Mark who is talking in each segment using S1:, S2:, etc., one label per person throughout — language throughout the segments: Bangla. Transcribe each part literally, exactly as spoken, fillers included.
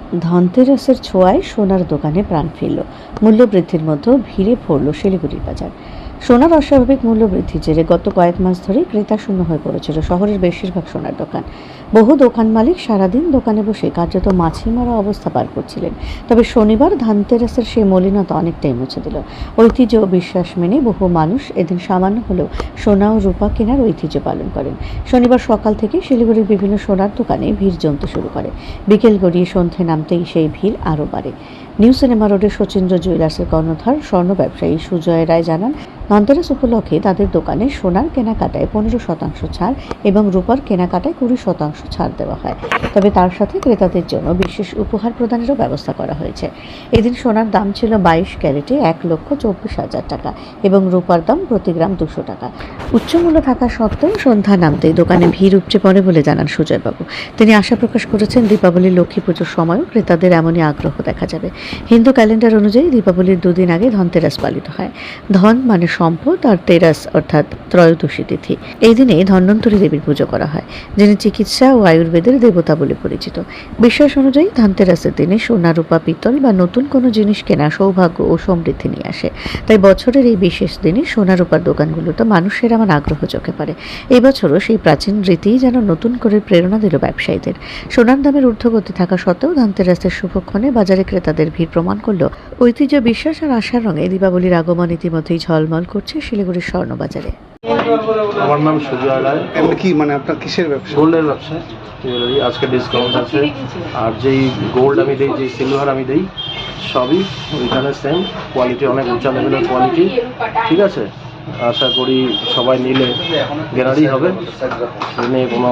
S1: ধনতেরাসের ছোঁয়ায় সোনার দোকানে প্রাণ ফিরল। মূল্য বৃদ্ধির মধ্যেও ভিড়ে পড়ল শিলিগুড়ির বাজার। সোনার অস্বাভাবিক মূল্য বৃদ্ধির জেরে গত কয়েক মাস ধরেই ক্রেতা শূন্য হয়ে পড়েছিল শহরের বেশিরভাগ সোনার দোকান। বহু দোকান মালিক সারাদিন দোকানে বসে কার্যত মাছি মারা অবস্থা পার করছিলেন। তবে শনিবার ধনতেরাসের সেই মলিনতা অনেকটাই মুছে দিল। ঐতিহ্য ও বিশ্বাস মেনে বহু মানুষ এদিন সামান্য হলেও সোনা ও রূপা কেনার ঐতিহ্য পালন করেন। শনিবার সকাল থেকে শিলিগুড়ির বিভিন্ন সোনার দোকানে ভিড় জমতে শুরু করে। বিকেল গড়িয়ে সন্ধে নামতেই সেই ভিড় আরও বাড়ে। নিউ সিনেমা রোডের শচীন্দ্র জুয়েলার্সের কর্ণধার স্বর্ণ ব্যবসায়ী সুজয় রায় জানান, ধনতেরাস উপলক্ষে তাদের দোকানে সোনার কেনাকাটায় পনেরো শতাংশ ছাড় এবং রূপার কেনাকাটায় কুড়ি শতাংশ ছাড় দেওয়া হয়। তবে তার সাথে ক্রেতাদের জন্য বিশেষ উপহার প্রদানেরও ব্যবস্থা করা হয়েছে। এদিন সোনার দাম ছিল বাইশ ক্যারেটে এক লক্ষ চব্বিশ হাজার টাকা এবং রূপার দাম প্রতি গ্রাম দুশো টাকা। উচ্চমূল্য থাকা সত্ত্বেও সন্ধ্যা নামতেই দোকানে ভিড় উপচে পড়ে বলে জানান সুজয়বাবু। তিনি আশা প্রকাশ করেছেন, দীপাবলি লক্ষ্মী পুজোর সময়ও ক্রেতাদের এমনই আগ্রহ দেখা যাবে। হিন্দু ক্যালেন্ডার অনুযায়ী দীপাবলির দুদিন আগে ধনতেরাস পালিত হয়। ধন মানে সম্পদ আর তেরাস অর্থাৎ ত্রয়োদশী তিথি। এই দিনে ধন্বন্তরী দেবীর পুজো করা হয়, যিনি চিকিৎসা ও আয়ুর্বেদের দেবতা বলে পরিচিত। বিশ্বাস অনুযায়ী ধনতেরাসের দিনে সোনা, রূপা, পিতল বা নতুন কোনো জিনিস কেনা সৌভাগ্য ও সমৃদ্ধি নিয়ে আসে। তাই বছরের এই বিশেষ দিনে সোনা রূপার দোকানগুলোতে মানুষের এমন আগ্রহ চোখে পড়ে। এই বছরও সেই প্রাচীন রীতি যেন নতুন করে প্রেরণা দিল ব্যবসায়ীদের। সোনার দামের ঊর্ধ্বগতি থাকা সত্ত্বেও ধনতেরাসের শুভক্ষণে বাজারে ক্রেতাদের ভিড় প্রমাণ করল ঐতিহ্য, বিশ্বাস আর আশার রঙে দীপাবলির আগমন ইতিমধ্যেই ঝলমল করছে শিলিগুড়ির স্বর্ণবাজারে।
S2: আমার নাম সুজয় রায়।
S3: এমন কি মানে আপনার কিসের ব্যবসা?
S2: গোল্ডের ব্যবসা, জুয়েলারি। আজকে ডিসকাউন্ট আছে, আর যেই গোল্ড আমি দিই, যেই সিলভার আমি দিই, সবই ওইখানে সেম কোয়ালিটি, অনেক উঁচা লেভেলের কোয়ালিটি। ঠিক আছে, আশা করি সবাই নিলে গেনারই হবে, নিয়ে কোনো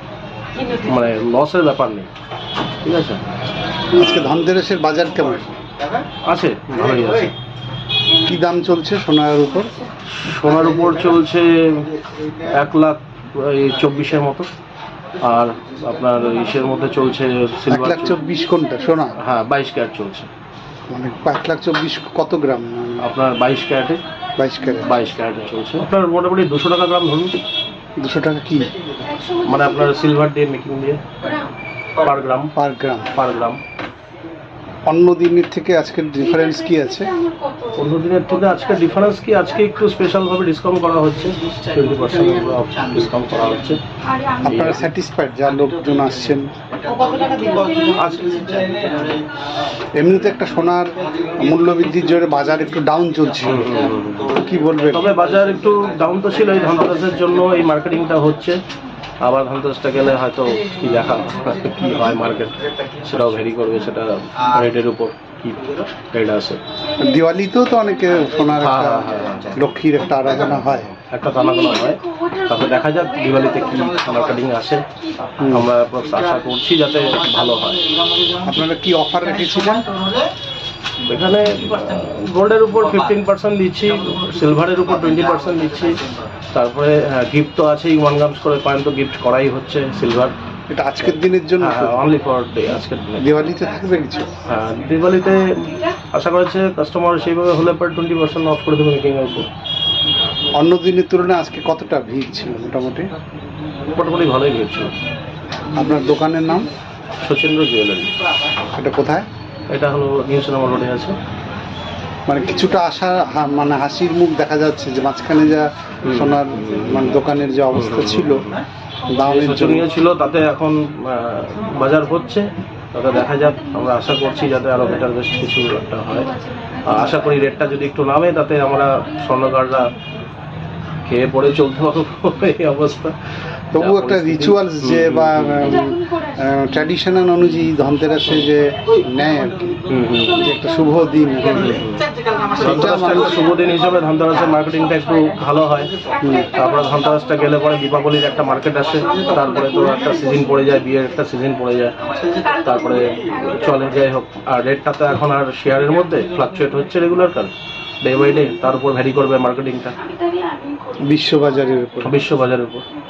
S2: মানে লসের ব্যাপার নেই। ঠিক আছে,
S3: আজকে ধনতেরাসের বাজার কেমন
S2: আছে? ভালোই আছে।
S3: কি দাম চলছে সোনার উপর?
S2: সোনার উপর চলছে এক লাখ চব্বিশের মতো, আর আপনার ইসের মধ্যে চলছে
S3: এক লাখ চব্বিশ কোনটা সোনা?
S2: হ্যাঁ, বাইশ ক্যারেট চলছে।
S3: মানে এক লাখ চব্বিশ কত গ্রাম?
S2: আপনার বাইশ ক্যারেটে
S3: বাইশ ক্যারেট
S2: বাইশ ক্যারেটে চলছে। আপনার মোটামুটি দুশো টাকা গ্রাম ধরুন।
S3: দুশো টাকা কি
S2: মানে আপনার সিলভার দিয়ে মেকিং দিয়ে পার গ্রাম
S3: পার গ্রাম
S2: পার গ্রাম
S3: অন্য দিনের থেকে আজকের ডিফারেন্স কি আছে?
S2: অন্য দিনের থেকে আজকে ডিফারেন্স কি, আজকে একটু স্পেশালভাবে ডিসকাউন্ট করা হচ্ছে, টোয়েন্টি পার্সেন্ট ডিসকাউন্ট করা হচ্ছে।
S3: আপনারা স্যাটিসফাইড যা লোকজন আসছেন? এমনিতে একটা সোনার মূল্য বৃদ্ধির জন্য বাজার একটু ডাউন চলছে, কি বলবেন?
S2: তবে বাজার একটু ডাউন তো ছিল, এই ধনতেরাসের জন্য এই মার্কেটিংটা হচ্ছে। আবার ধনতেরাসটা গেলে হয়তো কি দেখা কি হয় মার্কেট, সেটাও ভ্যারি করবে, সেটা রেটের উপর কি রেট আছে।
S3: দিওয়ালিতেও তো অনেকে সোনার একটা লক্ষ্মীর একটা আরাধনা হয়,
S2: একটা আনাগোনা হয়। তারপরে দেখা যাক দিওয়ালিতে কি মার্কেটিং আসে। আমরা আশা করছি যাতে ভালো হয়।
S3: আপনারা কি অফার রেখেছিলেন?
S2: এখানে গোল্ডের উপর ফিফটিন পার্সেন্ট দিচ্ছি, সিলভারের উপর টোয়েন্টি পার্সেন্ট দিচ্ছি। তারপরে গিফট তো আছেই, ওয়ান গ্রামস করে কয়েন তো গিফট করাই হচ্ছে সিলভার।
S3: এটা আজকের দিনের জন্য?
S2: অনলি ফর ডে, আজকের দিনে।
S3: দিওয়ালিতে থাকবে কিছু?
S2: হ্যাঁ, দিওয়ালিতে আশা করেছে কাস্টমার সেইভাবে হলে পরে টোয়েন্টি পার্সেন্ট অফ করে দেবে মেকিংয়ের উপর।
S3: অন্য দিনের তুলনায় আজকে কতটা ভিড় ছিল? মোটামুটি
S2: মোটামুটি ভালোই ভিড় ছিল।
S3: আপনার দোকানের নাম?
S2: শচীন্দ্র জুয়েলারি।
S3: এটা কোথায়?
S2: এটা হলো নিউ সিনেমা রোডে আছে।
S3: মানে কিছুটা আশা, মানে হাসির মুখ দেখা যাচ্ছে যে মাঝখানে যা সোনার মানে দোকানের যে অবস্থা ছিল, দামের
S2: শোচনীয় ছিল, তাতে এখন বাজার হচ্ছে, তাতে দেখা যাক। আমরা আশা করছি যাতে আরও বেটার বেস্ট কিছু একটা হয়। আশা করি রেটটা যদি একটু নামে, তাতে আমরা স্বর্ণকাররা খেয়ে পড়ে চলতে পারবো এই অবস্থা।
S3: তবু একটা রিচুয়ালস যে বা ট্র্যাডিশনাল অনুযায়ী ধনতেরাসে যে নেয় আর কি, একটা শুভ দিন,
S2: শুভ দিন হিসাবে ধনতেরাসের মার্কেটিংটা একটু ভালো হয়। তারপরে ধনতেরাসটা গেলে পরে দীপাবলির একটা মার্কেট আসে, তারপরে তো একটা সিজন পড়ে যায়, বিয়ের একটা সিজন পড়ে যায়, তারপরে চলে যাই হোক। আর রেটটা তো এখন আর শেয়ারের মধ্যে ফ্লাকচুয়েট হচ্ছে রেগুলার কার ডে বাই ডে, তার উপর ভ্যারি করবে মার্কেটিংটা
S3: বিশ্ববাজারের উপর
S2: বিশ্ববাজারের উপর।